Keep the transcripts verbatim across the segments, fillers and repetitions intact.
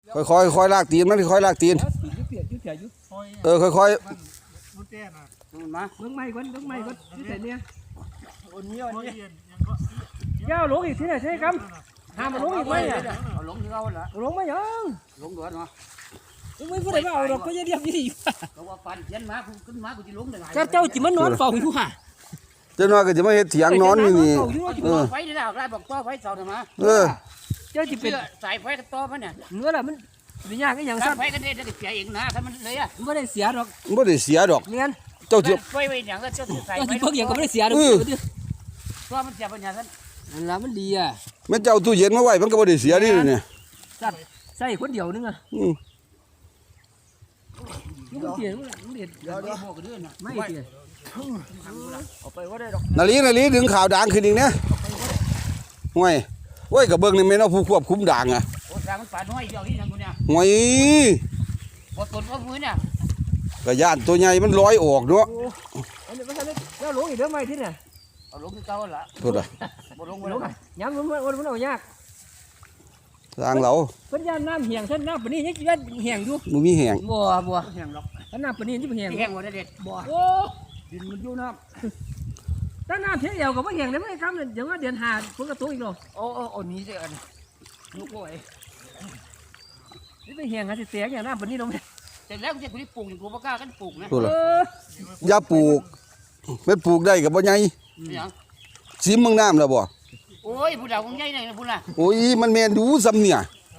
ค่อยค่อยค่อยลากตีนมันค่อยลากตีนเออค่อยค่อยมาเบิ้งไม้ก่อนเบิ้งไม้ก่อนที่ไหนเนี่ยเจ้าลงอีกที่ไหนใช่ครับห้ามมาลงอีกไหมอ่ะเอาลงที่เราละลงไม่ยังลงด้วยเนาะไม่พูดอะไรเอาดอกก็จะเรียบยี่ก็ว่าฟันเขียนมาคุณขึ้นมาคุณจะลงได้ไงเจ้าเจ้าจิมันนอนเฝ้าอยู่ค่ะเจ้าน้อยก็จะมาเฮ็ดเถียงนอนนี่นี่เออไฟนี่นะได้บอกต่อไฟเสาทำไมเออเจ้าจิเป็นสายไฟกับต่อมันเนี่ยเนื้อละมันเป็นยากก็อย่างสั้นไฟกันได้จะเสียเองนะถ้ามันเลยอ่ะไม่ได้เสียหรอกไม่ได้เสียดอกเงี้ยเจ้าจะไฟไว้อย่างก็เจ้าใส่ไฟเพิ่งอย่างก็ไม่ได้เสียดอกตัวมันเสียปัญญาสั้นนั่นละมันดีอ่ะแม่เจ้าตู้เย็นมาไว้มันก็ไม่ได้เสียนี่เนี่ยใส่คนเดียวนึงอ่ะลูกเตี๋ยลูกเตี๋ยเดี๋ยวเดี๋ยวบอกกันด้วยนะไม่เตี๋ยเอาไปว่าได้ดอกนาลีนาลีดึงข่าวด่างขึ้นอีกเนี่ยห่วยโอ้ยกับเบิ้งนี่ไม่เอาผู้ควบคุมด่างอ่ะโอ้ด่างมันป่าน้อยเดียวที่ทางกูเนี่ยห่วยบดตนก็มือเนี่ยกระยานตัวใหญ่มันลอยออกเนาะอันนี้ไม่ใช่แล้วลงอีกเรื่องไม่ที่เนี่ยเอาลงที่เก่าละโทษอ่ะบดลงไปลงย้ำมันมันมันเอายากทางเราเพิ่นย่านน้ำเหี่ยงท่านน้ำปนี้ยังย่านเหี่ยงอยู่มึงมีแห้งบัวบัวเหี่ยงหรอกท่านน้ำปนี้ที่เหี่ยงเหี่ยงว่าเด็ดบัวโอ้ดินมันอยู่น้ำท่านน้ำเที่ยวกับว่าเหี่ยงได้ไหมครับเดี๋ยวว่าเดือนหาฝนกระตุ้งอีกหรอโอ้โอ้โอ้นี้สิอันลูกโอ้ยนี่ไปเหี่ยงกันสิเสียอย่างน้ำปนี้ลงแต่แล้วจะคุณปลูกอย่างกูบ่กล้ากันปลูกนะอย่าปลูกไม่ปลูกได้กับบ่ใหญ่ซิมมึงน้ำแล้วบ่โอ้ยผู้ดาวคงใหญ่เลยนะผู้น่ะโอ้ยมันแมนดูซ้ำเนี่ย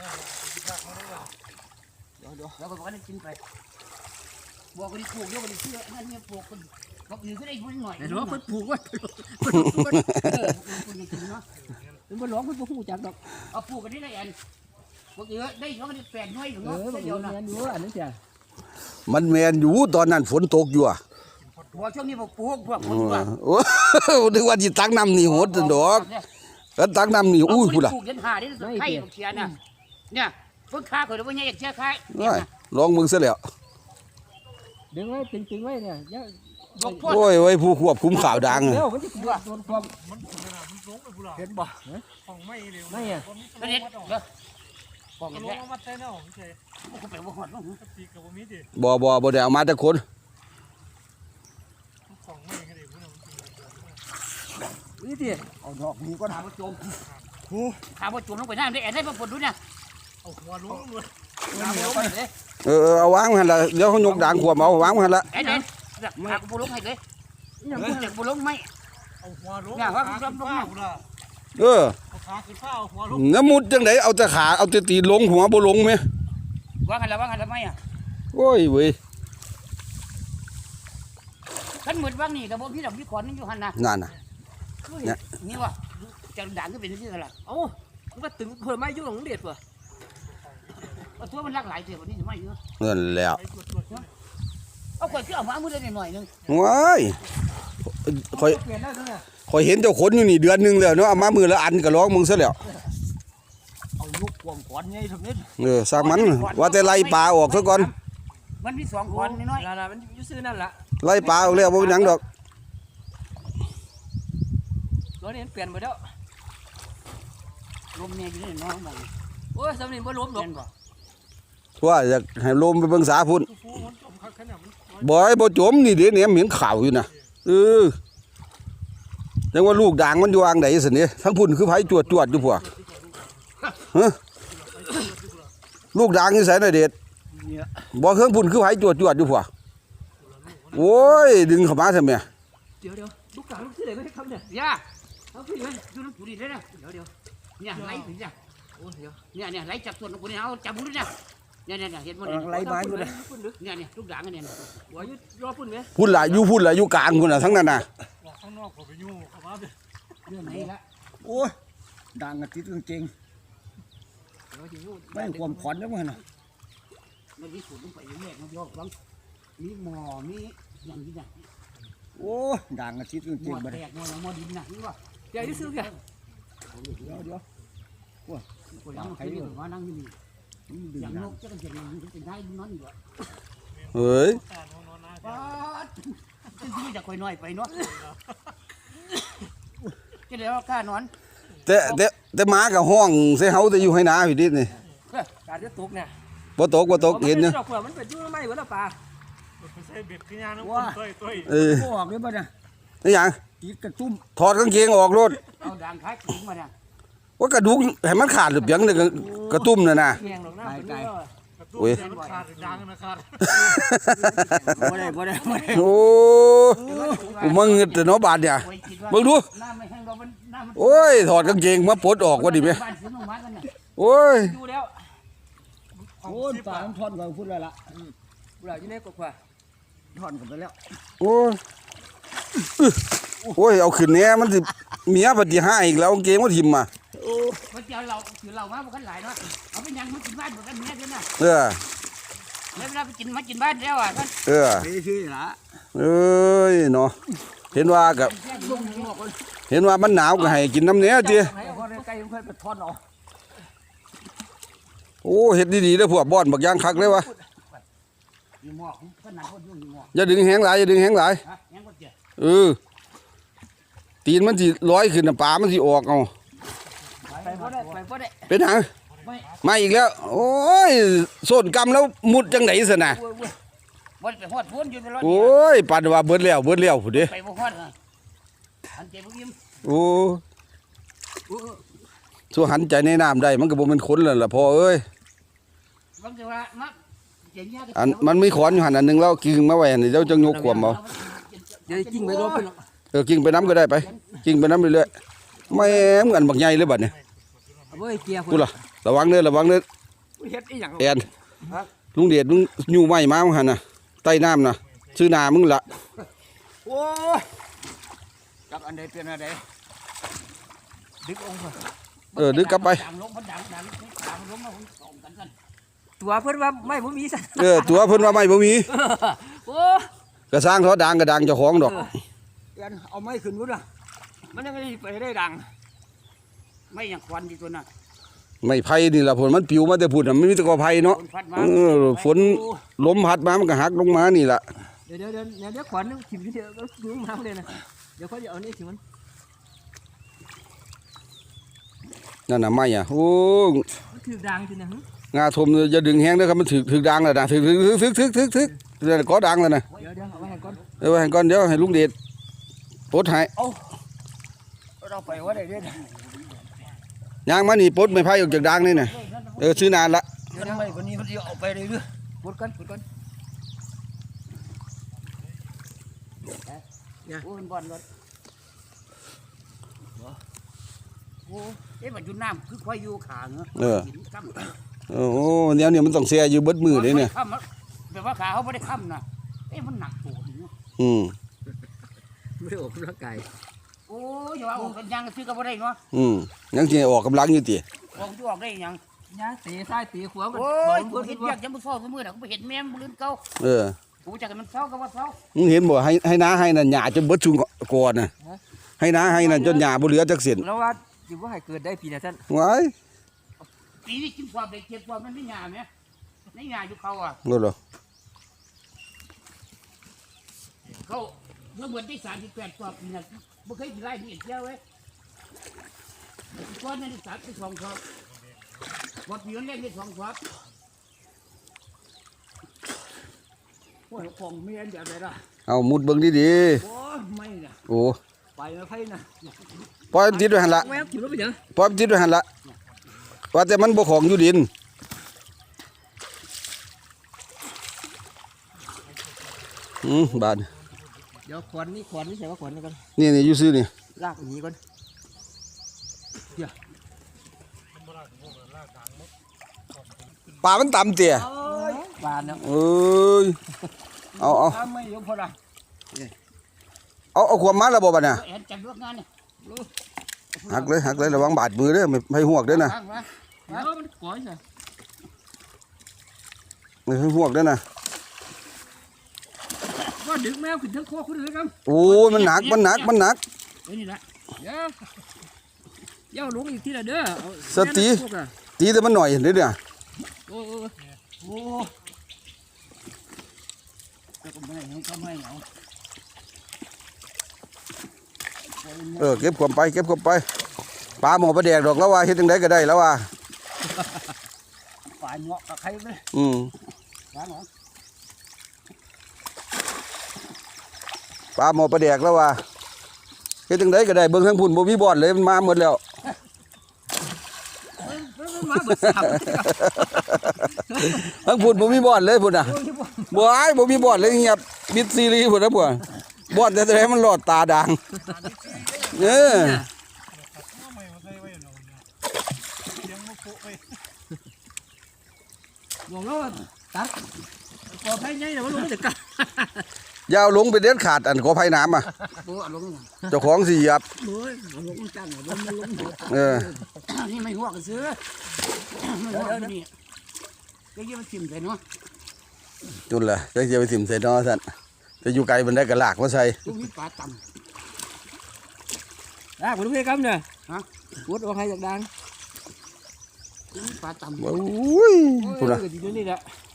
แล้วก็บอกให้กินไปบอกกันปลูกเยอะกันเชื่อนั่นเนี่ยปลูกกันบอกอยู่ก็ได้ยุ่งหน่อยแต่ว่าคนปลูกว่าคนปลูกเออคนกินเนาะเป็นบนหลวงคนปลูกจักดอกเอาปลูกกันได้ไงอันบอกเยอะได้เขาก็ได้แปดน้อยอยู่เนาะเดียวนะดูอันนั้นจ้ะมันแมนอยู่ตอนนั้นฝนตกอยู่อ่ะพอช่วงนี้บอกปลูกพวกคนว่าโอ้นึกว่าจิตักน้ำนี่โหดดอกแล้วตักน้ำนี่อุ้ยพูดละปลูกยันหาได้ไข่เชียน่ะเนี่ยเพิ่งค้าเขาเลยว่าเนี่ยอยากเชื่อค้าลองมึงซะแล้วดึงไว้ตึงๆไว้เนี่ยโอ้ยไว้ผู้ควบคุมข่าวดังเดี๋ยวมันจะโดนความมันเห็นบ่ของไม่เร็วไม่อ่ะไม่เห็นเหรอบอกอย่างนี้มาเต้นเอาไม่ใช่กูไปบ่หอดมั้งตีกับบ่มีดิบ่บ่บ่ได้เอามาแต่คนของไม่ก็ได้นี่ดิเอาดอกนี้ก็ถามว่าโจมโอ้ถามว่าโจมลงไปน้ำได้แอนได้มาปวดดูเนี่ยเอาหัวลุ้งเลยเออเอาวางหันละเดี๋ยวเขายกด่างขวบเอาวางหันละแอนเนี่ยหาปูลุ้งให้เลยยังปูเด็กปูลุ้งไม่เอาหัวลุ้งเนี่ยว่าคุณจำต้องเออน้ำมุดจังไหนเอาแต่ขาเอาแต่ตีลงหัวบ่ลงไหมวางหันละวางหันละไม่อ่ะโอ้ยเว้ยขันเหมือนว่างนี่แต่บ่พี่ดอกพี่ขอนนี่อยู่หันนะนั่นน่ะเนี่ยนี่วะจะด่างก็เป็นที่อะไรโอ้มันก็ตึงเผื่อไม่ยุ่งหลงเด็ดว่ะเอาตัวมันรักหลายเสียวันนี้จะไม่เยอะเงินแล้วเอาข่อยขึ้นเอามามือได้หน่อยนึงว้ายข่อยข่อยเห็นเจ้าขนอยู่นี่เดือนนึงแล้วเนาะเอามามือละอันก็ร้องมึงซะแล้วเอาลูกกวงขอนไงทำนี้เออสร้างมันว่าแต่ไล่ปลาออกซะก่อนมันมีสองขอนน้อยๆมันอยู่ซื้อนั่นแหละไล่ปลาออกแล้วบ่เป็นหยังดอกรถนี้เปลี่ยนไปแล้วลมเนี่ยอยู่นี่น้องมันโอ้ยสำเนียงบ่ลมดอกว่าอยากให้ลมไปเบิ่งสาพุ่นบ่อยบ่จมนี่เดี๋ยวเนี่ยเหม็นข่าวอยู่นะเออจังว่าลูกด่างมันอยู่อ่างไหนสิเนี่ยทั้งพุ่นคือไผจวดจวดอยู่พวกฮะลูกด่างนี่ใส่หน่อยเด็ดบ่เครื่องพุ่นคือไผจวดจวดอยู่พวกโอ้ยดึงเข้ามาทำไมเดี๋ยวเดี๋ยวลูกด่างลูกที่ไหนไม่ได้ทำเนี่ยย่าเอาพี่ไหมดูน้ำปุ๋ยได้นะเดี๋ยวเดี๋ยวเนี่ยไล่ถึงจ้ะโอ้เดี๋ยวเนี่ยเนี่ยไล่จับส่วนของคุณเนี่ยเอาจับบุ้งเนี่ยเนี่ยเนี่ยเห็นหมดเลยไล่ไม้อยู่เลยเนี่ยเนี่ยลูกด่างเนี่ยหัวยุรอพุ่นไหมพุ่นละอยู่พุ่นละอยู่กลางพุ่นละทั้งนั้นน่ะข้างนอกผมไปยู่เข้ามาเลยเรื่องไหนละโอ้ยด่างกระติดจริงไม่ความขวัญแล้วมั้งน่ะมันมีฝุ่นลงไปอยู่เนี่ยมันยกบังมีหมอมีอย่างนี้เนี่ยโอ้ด่างกระติดจริงๆมันแตกหมอหมอดินน่ะนี่ว่าเดี๋ยวที่ซื้อแค่เดี๋ยวเดี๋ยวว้าคนนั่งใครอยู่ว่านั่งอยู่นี่อย่างนกจะกันจะมีเป็นได้นอนอยู่อ่ะเฮ้ยป้าจะซื้อจากคอยน้อยไปเนาะจะเดี๋ยวกล้านอนแต่แต่แต่หมากับห้องเสียเฮาแต่อยู่ให้นาอยู่ดินี่กการจะตกเนี่ยบ่ตกบ่ตกเห็นเนี่เนาะยมันเป็นยุ่งไม่เหมือนปลาใส่เบ็ดขึ้นยางน้ำคนต้อยต้อยเออโอ้ออกเลยป่ะเนี่ยนี่หยังตีกระตุ้มถอดกางเกงออกโลดเอาด่างคล้ายขิงมาเนี่ยว่ากระดูกให้มันขาดหรือเปล่าเนี่ยกระตุ้มน่ะนะแหงหรอกนะเป็นเรื่องกระตุ้นมันขาดดังนะขาดบ่ได้บ่ได้บ่ได้โอ้กูมึงแต่เนาะบาดเนี่ยเบิ่งดูน้ำไม่แห้งเรามันน้ำมันโอ้ยถอดกางเกงมาปลดออกว่าดิแม่บ้านซื้อมากันเนี่ยโอ้ยอยู่แล้วโอ้ยปลามันทอนกว่าพูดแล้วล่ะพูดแล้วอยู่ในกว่าทอนกันไปแล้วโอ้ยโอ้ยเอาขึ้นแหน่มันสิเมียปฏิหารอีกแล้วกางเกงมาทิ่มมาโอ้มันจะเราถือเรามาบ่กันหลายเนาะเอาไปยังมากินบ้านบ่กันแม่ด้วยนะเออแล้วเวลาไปกินมากินบ้านแล้วอ่ะท่านเออไปซื้อละเอ้ยเนาะเห็นว่ากับเห็นว่ามันหนาวก็ให้กินน้ำเนี้ยจีให้คนใกล้ๆค่อยไปทอนเอาโอ้เฮ็ดดีๆเด้อพวกบ่อนบักย่างคักเลยวะอยู่หมอกขนาดคนอยู่หมอกอย่าดึงแหงหลายอย่าดึงแหงหลายฮะยังบ่เจ็บเออตีนมันสิลอยขึ้นน่ะปลามันสิออกเอาไปบ่ได้ไปบ่ได้เป็นหยังไม่มาอีกแล้ว โอ้ยส้นกำแล้วมุดจังได๋ซะน่ะโอ้ยโอ้ยบ่ได้ไปฮอดพ้นอยู่ในรถโอ้ยปานว่าเบิดแล้วเบิดแล้วพุ่นเด้ไปบ่ฮอดอันเจ็บบ่ยิ้มโอ้สู้หันใจในน้ำได้มันก็บ่แม่นคนแล้วล่ะพ่อเอ้ยบางทีว่ามาเจ๋งยากอันมันมีขอนอยู่หั่นอันหนึงแล้วกิ่งมาไว้นี่เดี๋ยวจะยกขวมเอาเดี๋ยวกิ้งไปรถเพิ่นเออกิ่งไปน้ำก็ได้ไปกิ่งไปน้ำเรื่อยๆแม่มกันบักใหญ่เลยบัดนี้เอาไว้เกียร์กูล่ะระวังเด้อระวังเด้อเฮ็ดอีหยังแอนลุงเดชลุงอยู่ไม้มามึงหั่นน่ะใต้น้ำน่ะชื่อนามึงละโอ้ยจับอันใดเป็นอันใดดึกองค์เออดึกกลับไปดังลงมันดังดังดังลงมาส่งกันกันตัวเพิ่นว่าไม่บ่มีซะเออตัวเพิ่นว่าไม่บ่มีโอ้กระสร้างเขาดังกระดังเจ้าของดอกเอ็นเอาไม้ขึ้นวุ้นอ่ะมันยังไงไปได้ดังไม่อย่างควันดีตัวน่ะไม่ไผ่นี่ล่ะผลมันปิวมาแต่พุ่นน่ะมันมีแต่กอไผ่เนาะฝนพัดมาเออฝนลมพัดมามันก็หักลงมานี่ล่ะเดี๋ยวเดี๋ยวเดี๋ยวเดี๋ยวควันนึงถิ่มที่เดียวก็ดูมาเลยนะเดี๋ยวเขาจะเอานี่ถิ่มมันนั่นน่ะไม้อ่ะโอ้มันถือดังทีนะหึงาทมอย่าดึงแห้งเด้อครับมันถึกถึกดังแล้วนะถึกถึกถึกถึกถึกถึกเดี๋ยวก็ดังแล้วนะเดี๋ยวเดี๋ยวเอาไว้ให้ก่อนเออไว้ให้ก่อนเดี๋ยวให้ลุงเดชปลดให้เราไปว่าได้เด้อยางมานี่ปลดไม่ไผ่ออกจากดังนี่น่ะเออซื้อนานละเดี๋ยวไม่วันนี้มันจะเอาไปเลยเด้อปวดกันปวดกันเนี่ยโอ้ยบอลรถโอ้เอ๊ะมันอยู่น้ำคือควายอยู่ขาเนาะเออเออโอ้เดี๋ยวเนี่ยมันต้องเสียอยู่เบิดมือเลยเนี่ยค้ำแบบว่าขาเขาไม่ได้ค้ำนะเอ๊ะมันหนักโผล่เนาะอืมไม่ได้ออกกำลังกายโอ้ยอย่าว่าออกกันยังซื้อก็ไม่ได้เนาะอืมยังสิออกกำลังอยู่ติออกจะออกได้ยังยังตีซ้ายตีขวากันโอ้ยกูเห็นอยากจะมาเฝ้าเสมอนะกูไปเห็นแม่มันลื่นเก่าเออกูจะกันมันเฝ้าก็ว่าเฝ้ามึงเห็นบ่ให้ให้น้าให้น่ะหญ้าจนเบิดชุงก่อนน่ะให้น้าให้น่ะจนหญ้าบ่เหลือจักเส้นแล้วว่าอยู่ว่าให้เกิดได้ปีนะท่านว้ายปีนี้กินความได้เจ็บความมันไม่หยาไหมไม่หยาอยู่เขาอ่ะนั่นเหรอเขาเมื่อเดือนที่สามสิบแปดความเนี่ยไม่เคยไล่ที่เอ็ดเที่ยวเว้ยก้อนนั้นที่สามที่สองครับวัดปีนั้นแรกที่สองครับโอ้ยของเมียนแบบไหนล่ะเอามุดเบิ่งดีโอ้ยไม่นะๆโอ้ไปไม่ไพ่นะปล่อยมันติดไว้หั่นละแม่กินแล้วไปยังปล่อยมันติดไว้หั่นละว่าแต่มันบ่ของอยู่ดินอืมบาดเดี๋ยวขวัญนี่ขวัญนี่ใส่ว่าขวัญนี่กันนี่นี่อยู่ซื่อนี่ลากหนีก่อนปลามันต่ำเตี่ยบานเนาะเอ้ยเอาเอาถ้าไม่ยกพอละเอาเอาความมาแล้วบ่บัดน่ะเห็นจังเลือกงานเนี่ยหักเลยหักเลยระวังบาดมือเด้อไม่ให้หวกเด้อนะข้างมาเออมันก่อยใช่ไม่ให้หวกเด้อนะว่าดึกแมวขึ้นทั้งคอขึ้นเลยครับโอ้ยมันหนักมันหนักมันหนักเอ้ยนี่ละเดี๋ยวเดี๋ยวลงอีกทีละเด้อเอาสติ ตีแต่มันหน่อยเด้อเนี่ยโอ้โอ้โอ้แล้วก็ไม่ให้ก็ไม่เอาเออเก็บความไปเก็บความไปปลาหมอปลาแดกดอกแล้วว่าเฮ็ดจังไดก็ได้แล้วว่าป่าายเงาะกับใครเลยอืมร้านหรอปลาหมอปลาแดกแล้วว่าเฮ็ดจังไดก็ได้เบิ่งทั้งพุ่นบ่มีบ่อนเลยมันมาหมดแล้วมาเบิดสามทั้งพุ่นบ่มีบ่อนเลยพุ่นน่ะบ่อ้ายบ่มีบ่อนเลยเงียบมิดซีรีส์พุ่นน่ะพุ่นบ่อนแต่แต่มันหลอดตาด่างเออทำไมมาใส่ไว้หนอนเนี่ยเลี้ยงมาโปะไปบอกแล้วว่าตัดกอไผ่ใหญ่แต่ว่าลงไม่ถึงกันอย่าเอาลงไปเด็ดขาดอันขอภัยน้ำอ่ะตัวลงเจ้าของสิเหยียบเฮ้ยลงจังลงลงเออนี่ไม่หัวกันซื้อไม่หัวกันนี่ก็ยี่มันทิ่มใส่เนาะจุนล่ะจะสิไปถิ่มใส่นอซั่นจะอยู่ไกลมันได้ก็ลากมาใส่ลูกนี้ปลาต่ำอ่ะคุณพี่ครับเนี่ยฮะวุฒิว่าใครอยากดังลูกนี้ปลาต่ำโอ้ยพุ่นน่ะอยู่นี่แหละ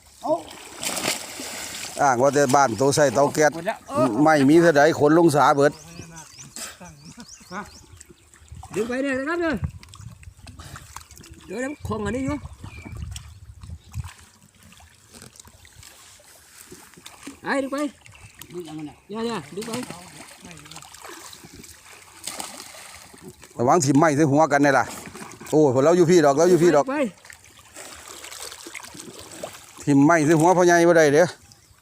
อ้างว่าแต่บ้านโตใส่เตาแก๊สหมดแล้วไม่มีเท่าใดขนลงสาเบิดดึงไปเนี่ยนะครับเนี่ยเดี๋ยวน้ำคงอันนี้อยู่ไอ้ดึงไปดึงยังไงเนี่ยเนี่ยดึงไประวังถิ่มไม้ใส่หัวกันนี่ล่ะโอ้ยพวกเราอยู่พี่ดอกเราอยู่พี่ดอกไปถิ่มไม้ใส่หัวพ่อใหญ่บ่ได้เด้อ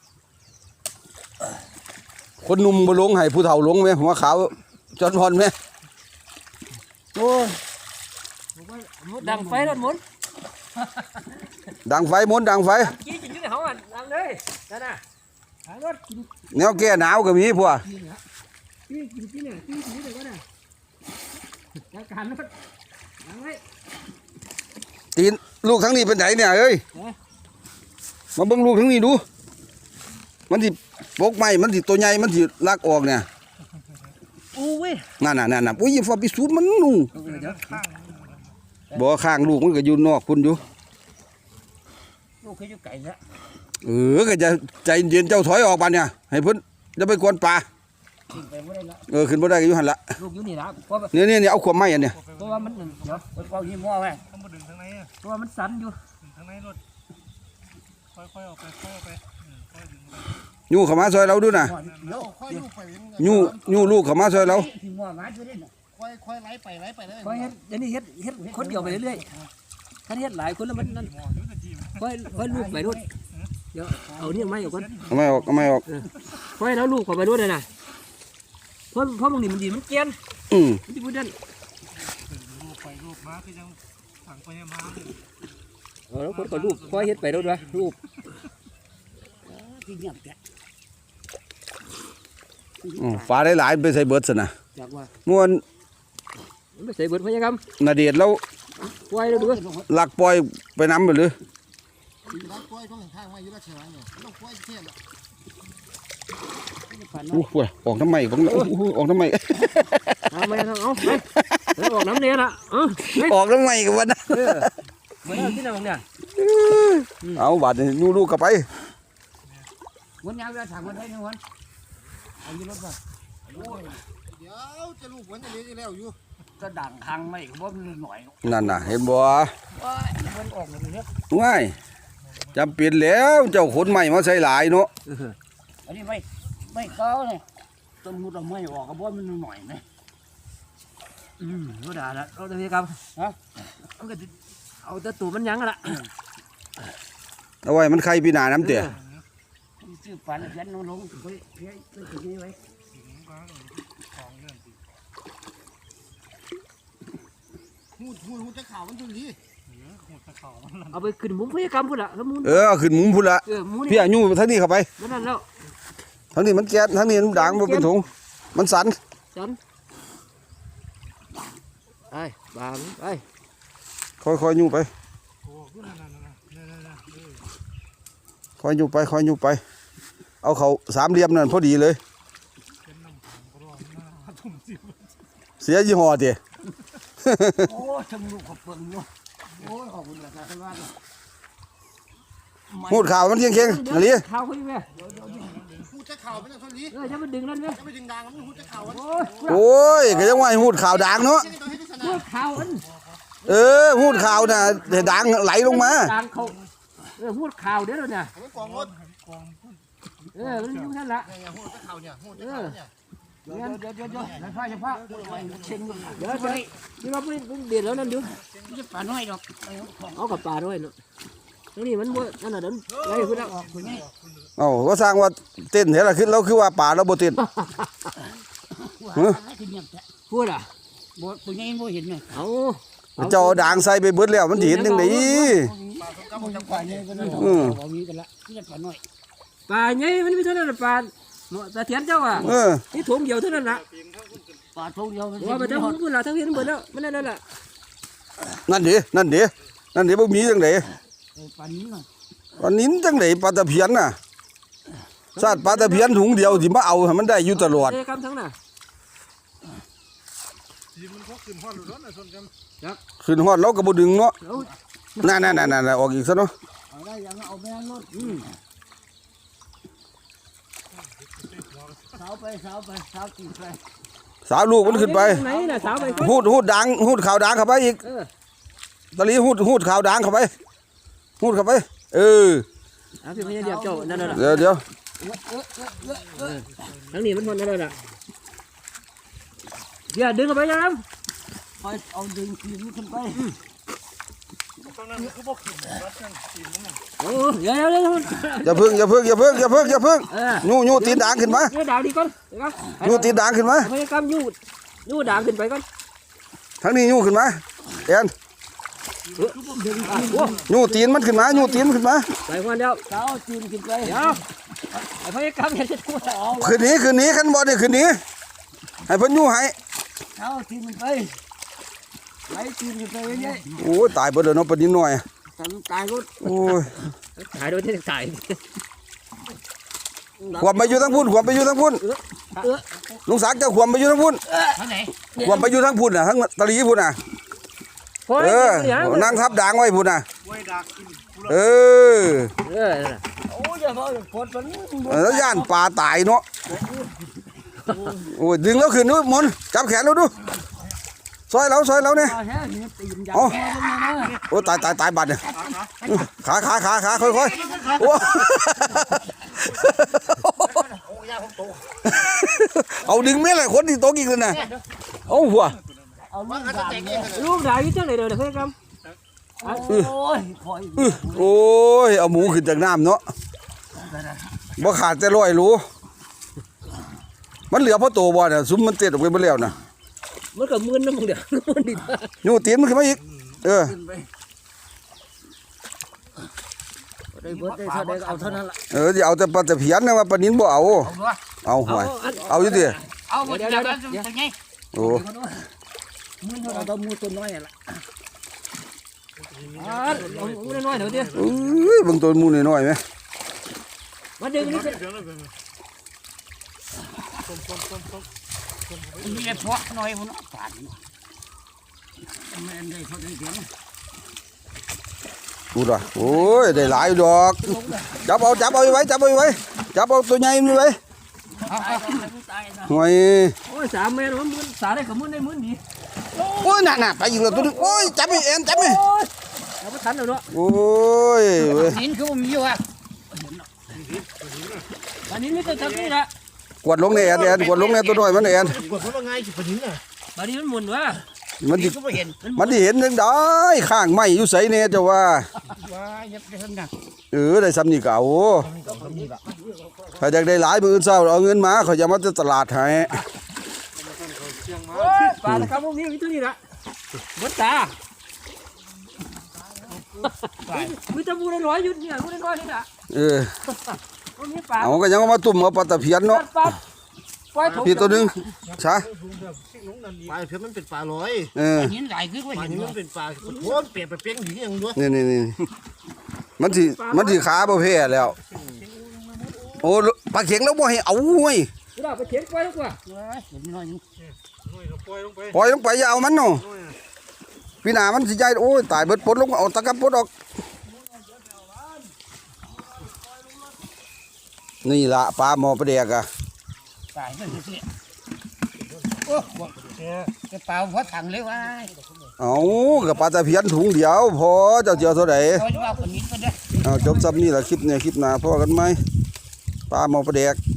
คนหนุ่มบ่ลงให้ผู้เฒ่าลงแม่หัวขาวจอนพรแม่โอ้ยดังไฟรถหมุนดังไฟมนต์ดังไฟกี้จิ๋งในห้องอ่ะดังเลยนั่นน่ะหารถกินแนวแก้หนาวก็มีพวกกินเนี่ยกี้กินกินเนี่ยกี้กินเลยก็ได้จัดการรถดังไว้ตีนลูกทั้งนี้เป็นไหนเนี่ยเอ้ยมาเบิ่งลูกทั้งนี้ดูมันสิปกไม้มันสิตัวใหญ่มันสิลักออกเนี่ยอู้เว้ยนั่นน่ะนั่นน่ะโอ้ยอย่าฟ้าไปสูดมันนู่นเดี๋ยวบ่ข้างลูกมันก็อยู่นอกคุณอยู่ลูกเคยอยู่ไก่แล้วเออก็จะใจเย็นเจ้าถอยออกบานเนี่ยให้เพิ่นจะไปกวนป่ากินไปไม่ได้ละเออขึ้นบ่ได้ก็อยู่หั่นละลูกอยู่นี่ละเพราะเนี่ยเนี่ยเนี่ยเอาขวบไม้อันเนี่ยเพราะว่ามันเดี๋ยวไปเป่ายี่ห้อไว้ต้องมาดึงทางไหนอ่ะเพราะว่ามันสั่นอยู่ดึงทางไหนรถค่อยๆออกไปค่อยๆออกไปอืมค่อยดึงไปยู่เข้ามาซอยเราดูนะเดี๋ยวค่อยลูกไปเองยู่ยู่ลูกเข้ามาซอยเราที่หัวมาช่วยได้น่ะค่อยค่อยไล่ไปไล่ไปเลยค่อยเฮ็ดเดี๋ยวนี้เฮ็ดเฮ็ดคนเดียวไปเรื่อยๆถ้าเฮ็ดหลายคนแล้วมันนั่นหมอยุทธทีมค่อยค่อยลูกไปด้วยเดี๋ยวเอาเนี่ยไม่เอาก่อนเอาไม่ออกเอาไม่ออกค่อยแล้วลูกเข้าไปด้วยเลยนะเพราะเพราะบางทีมันดีมันเกลียนอืมมันที่พูดนั่นลูกไปลูกมาคือยังถังไปมาเลยเออแล้วคนก็ลูกค่อยเฮ็ดไปด้วยด้วยลูกที่เงียบแกอืมฟ้าได้หลายไปใส่เบิดซะนะอยากว่าม่วนมันไม่ใส่เบิดพยากรรมนาเดชน์เราค่อยแล้วด้วยลักปล่อยไปน้ำไปเลยร้านกล้วยต้องข้างๆมาอยู่ราชวังเนี่ยต้องกล้วยเทียนอู้หูออกทำไมบังโอ้โหออกทำไมเอาไปเอาเอาไปเดี๋ยวออกน้ำเนี่ยละเออออกทำไมกันวะนะเหมือนที่ไหนบ้างเนี่ยเอาบาดนี่ยู่ลูกกลับไปวันยาวจะสั่งวันได้ไหมวันเอาอยู่รถป่ะเดี๋ยวจะลูกวันจะเลี้ยงแล้วอยู่ก็ด่างทางไม่ก็บ่มันหน่อยนั่นน่ะเห็นบ่ว้ายมันออกเลยเนี่ยง่ายจำเป็นแล้วเจ้าขนใหม่มาใส่หลายเนาะอันนี้ไม่ไม่เก้าเลยต้นมุดเราไม่ออกก็บ่มันหน่อยนะอืมรู้ด่าละเราจะมีกรรมฮะมันก็เอาแต่ตัวมันยังละเอาไว้มันใครปีหนาน้ำเตี๋ยชื่อฝันยันลงลงไปเพี้ยไปถึงนี่ไว้หูหูหูจะข่าวมันจุลีหูจะข่าวมันเอาไปขึ้นมุมพยากรรมพุ่นละแล้วมุนเออเอาขึ้นมุมพุ่นละเออมุนพี่อายุทั้งนี้เข้าไปนั่นแล้วทั้งนี้มันแก๊สทั้งนี้มันด่างมันเป็นถุงมันสันจันไปบางไปค่อยๆอยู่ไปโอ้ก็นั่นนั่นนั่นนั่นนั่นค่อยอยู่ไปค่อยอยู่ไป เอาเขาสามเหลี่ยมนั่นพอดีเลยเป็นน้ำผงกระรอกมาทุ่มสิบเสียยี่ห้อเตี๋ยโอ้ชมลูกขอบเปลืองอยู่โอ้ยขอบคุณราคาท่านว่าพูดข่าวมันเคียงเคียงๆอะไรข่าวเขาอยู่ไหมหูจะข่าวเป็นจุลีเออจะมาดึงนั่นไหมจะไปดึงดังมันหูจะข่าวมันโอ้ยโอ้ยก็ยังว่าให้พูดข่าวดังเนาะข่าวอันเออพูดข่าวน่ะให้ดังไหลลงมาดังเขาอพูดข่าวเด้อเนี่ยมันกองรถเออมันอยู่นั่นละเนี่ยหูตะเข่าเนี่ยหูตะเข่าเนี่ยเดี๋ยวเดี๋ยวเดี๋ยวเดี๋ยวอย่าพลาดอย่าพลาดเช็งเดี๋ยวไปนี่เราไปเด็ดแล้วนั่นดูจะปลาน้อยดอกเอากับปลาด้วยเนาะนี่มันบ่นั่นน่ะเดินไล่ขึ้นแล้วเอ้าว่าสร้างว่าเต้นเห็นละขึ้นแล้วคือว่าป่าเราบ่เต้นพูดอ่ะบ่ตัวใหญ่บ่เห็นเลยเอาเจ้าด่างใส่ไปเบิดแล้วมันสิเห็นจังได๋ปลาสงกรานต์จังหวัดเนี่ยอือบ่มีกันละนี่ปลาน้อยปลาใหญ่มันมีเท่านั้นปลาตาเทียนเจ้าอ่ะเออนี่ถุงเดียวเท่านั้นละปลาทงเดียวว่าไปทั้งพุ่นละทั้งเพียนเบิดแล้วมันนั่นแหละนั่นดินั่นดินั่นดิบ่มีจังได๋ปลานี้น่ะปลานิ้นจังได๋ปลาตะเพียนน่ะชาติปลาตะเพียนถุงเดียวสิมาเอาให้มันได้อยู่ตลอดเอ้กำทั้งน่ะขึ้นฮอดเราก็บ่ดึงเนาะเอานั่นๆๆๆออกอีกซะเนาะเอาได้ยังเอาไปรถสาวไปสาวไปสาวตีไปสาวลูกมันขึ้นไปไหนน่ะสาวไปหูดหูดดังหูดขาวดังเข้าไปอีกเออตะลีหูดหูดขาวดังเข้าไปหูดเข้าไปเออเอาพี่พญาเดียบเจ้านั่นน่ะเดี๋ยวเดี๋ยวทั้งนี้มันหมดนั่นน่ะเดี๋ยวดึงเข้าไปยังไปเอาดึงตีนขึ้นไปโอ้เดี๋ยวเดี๋ยวเดี๋ยวอย่าพึ่งอย่าพึ่งอย่าพึ่งอย่าพึ่งอย่าพึ่งเออยูยูตีนด่างขึ้นมาเดี๋ยวดาวดีก่อนเดี๋ยวก่อนยูตีนด่างขึ้นมาพยายามยูยูด่างขึ้นไปก่อนทั้งนี้ยูขึ้นมาแอนดึงอ่ะโอ้ยูตีนมันขึ้นมายูตีนมันขึ้นมาไปคนเดียวสาวตีนขึ้นไปเดี๋ยวไอ้พยายามอย่าจะพูดเอาขึ้นหนี้ขึ้นหนี้ขันบ่ได้ขึ้นหนี้ให้เพิ่นยูให้สาวตีนขึ้นไปไหลตีนขึ้นไปเรื่อยโอ้ยตายเบิดแล้วเนาะปานนี้หน่อยๆทำตายรถโอ้ยถ่ายโดยที่ถ่ายขวบไปอยู่ทั้งพุ่นขวบไปอยู่ทั้งพุ่นลุงศักดิ์เจ้าขวบไปอยู่ทั้งพุ่นท่านไหนขวบไปอยู่ทั้งพุ่นน่ะทั้งตะลีพุ่นน่ะเออนั่งทับด่างไว้พุ่นน่ะเออเออโอ้ยอย่ามาปวดมันแล้วย่านปลาตายเนาะโอ้ยดึงแล้วขึ้นนู้นมนจับแขนแล้วดูซอยเราซอยเราเนี่ยปลาแท้นี่ตีนยาวอ๋อแค่นั้นนะโอ้ตายตายตายบัดเนี่ยขาขาขาขาค่อยค่อยโอ้เอาดึงไม่เลยคนที่โต๊ะกินเลยนะเอาหัวเอาลูกดาบเนี่ยลูกด่างอยู่จังไหนเดี๋ยวเดี๋ยวพยายามโอ้ยคอยโอ้ยเอาหมูขึ้นจากน้ำเนาะบ่ขาดแต่ร้อยรู้มันเหลือเพราะโตบ่เนี่ยซุ้มมันเต็ดออกไปหมดแล้วนะมันก็มึนนะมึงเดี๋ยวมันดียูตีนมันขึ้นมาอีกเออขึ้นไปได้เบิดได้เท่าใดก็เอาเท่านั้นละเออจะเอาแต่ปลาตะเพียนนะว่าปลานิ้นบ่เอาเอาห่วยเอาอยู่ดิเอาหมดเดี๋ยวเดี๋ยวเดี๋ยวไงโอ้มือเราต้องมือตัวน้อยละอ่าเอาเอาน้อยๆเดี๋ยวดิเอ้ยเบิ่งตัวหมูน้อยๆไหมมาดึงนี่มีแต่พวกน้อยคนป่านแม่ได้เขาได้เสียงดูด่ะโอ้ยได้หลายดอกจับเอาจับเอาไว้จับเอาไว้จับเอาตัวใหญ่นี่ไว้เอาเอาตายนะห่วยโอ้ยสามเมตรมันมึนสาได้กับมึนได้มึนดีโอ้ยน่ะๆไปอีกแล้วตัวนึงโอ้ยจับอีเอ็นจับอีโอ้ยเอาไปทันแล้วเนาะโอ้ยเว้ยหินคือมีอยู่อ่ะอันนี้ไม่ต้องทำนี่ละกวดลงในแอนแอนกวดลงในตัวน้อยมันแอนกดเพราะว่าไงสิปะทิ้งอ่ะบัดนี้มันหมุนวะมันสิก็ไม่เห็นมันสิเห็นจังได้ข้างไม้อยู่ไสแน่เจ้าว่าว้าเฮ็ดได้ทั้งนั้นเออได้ซ้ำนี่ก็เอาถ้าอยากได้หลายมื้ออื่นเช้าเอาเงินมาเขาจะมาที่ตลาดให้โอ้ยปลาตะกร้าพวกนี้มีตัวนี้ละบดตามีตะบูได้ร้อยยุดเนี่ยบูได้ร้อยนี่ละเออมันมีปลาเอาก็ยังเอามาตุ่มเอาปลาตะเพียนเนาะปลาปล่อยถกพี่ตัวหนึงช้าปลาเพื่อมันเป็นปลาลอยเออหินหลายคือว่าปลาเห็นนี้ว่ามันเป็นปลาโคตรเปรียบไปเปี้ยงหญิงอย่างด้วยนี่นี่นี่มันสิมันสิขาบ่แพ้แล้วโอ้ปลาเข็งแล้วบ่ให้เอาเว้ยเราไปเขียนปล่อยดีกว่าเห็นน้อยนึงปล่อยลงไปอย่าเอามันเนาะพี่หน้ามันสิใหญ่โอ้ยตายเบิดปลดลงเอาตะกับปลดออกนี่ล่ะปลาหมอปลาแดกอ่ะตายนั่นสิโอ้จะเปล่าหัวถังเลยว่าเอากับปลาตะเพียนถุงเดียวพอเจ้าเจียวเท่าไหร่เขาจะว่าคนนี้ก็ได้เอาจบซับนี่แหละคลิปเนี่ยคลิปหน้าพอกันไหมปลาหมอปลาแดก